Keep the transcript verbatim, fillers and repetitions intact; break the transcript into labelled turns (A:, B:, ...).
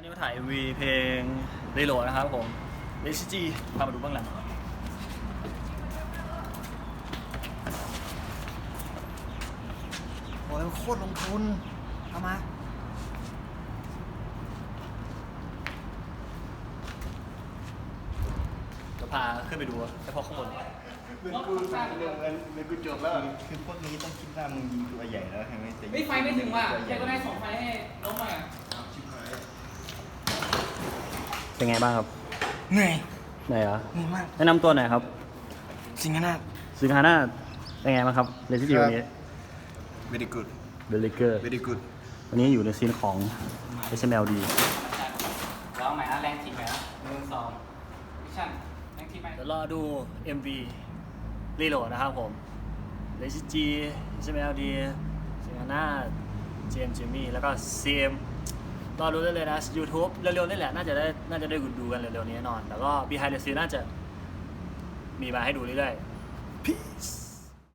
A: นี้มาถ่าย เอ็ม วี เพลงเรโหลนะครับผมเลชิจีพามาดูเบื้องหลังโอ้ยโคตรลงทุนเอามาจะพาขึ้นไปดูเฉพาะข้างบน
B: เงินกูสร้างเรื่องเงินเงินกูจบแล้วคือพวกนี้ต้องคิดว่ามึงยิงตัวใหญ่แล้วใช่ไหมแต่
C: ไม่ไฟไม่ถึงว่ะแค่ก็ได้สองไฟให้น้องมา
A: เป็นไงบ้างครับ
B: เหนื่อย
A: ไหนเหรอ
B: เหนื่อยมาก
A: แนะนำตัวหน่อยครับ
B: สิงห์นาถ
A: สิงหานาเป็นไงบ้างครับเลชิจีวันนี้
B: very good
A: เบลลิเกอร์
B: very good
A: วันนี้อยู่ในซีนของ เอส เอ็ม แอล ดี
C: แล้วใหม่นะแรงทีใหม่นะหนึ่งสองมิชชั่นแรงทีใหม่
A: เดี๋ยวรอดู เอ็ม วี รีโหลดนะครับผมเลชิจี เอส เอ็ม แอล ดี สิงหานาเจมส์ เจมี่ แล้วก็ ซี เอ็ม รอดูได้เลยนะ YouTube เร็วๆนี่แหละ น่าจะได้น่าจะได้ดูกันเร็วๆนี้แน่นอน แต่ก็ Behind the Scene น่าจะมีมาให้ดูเรื่อยๆ Peace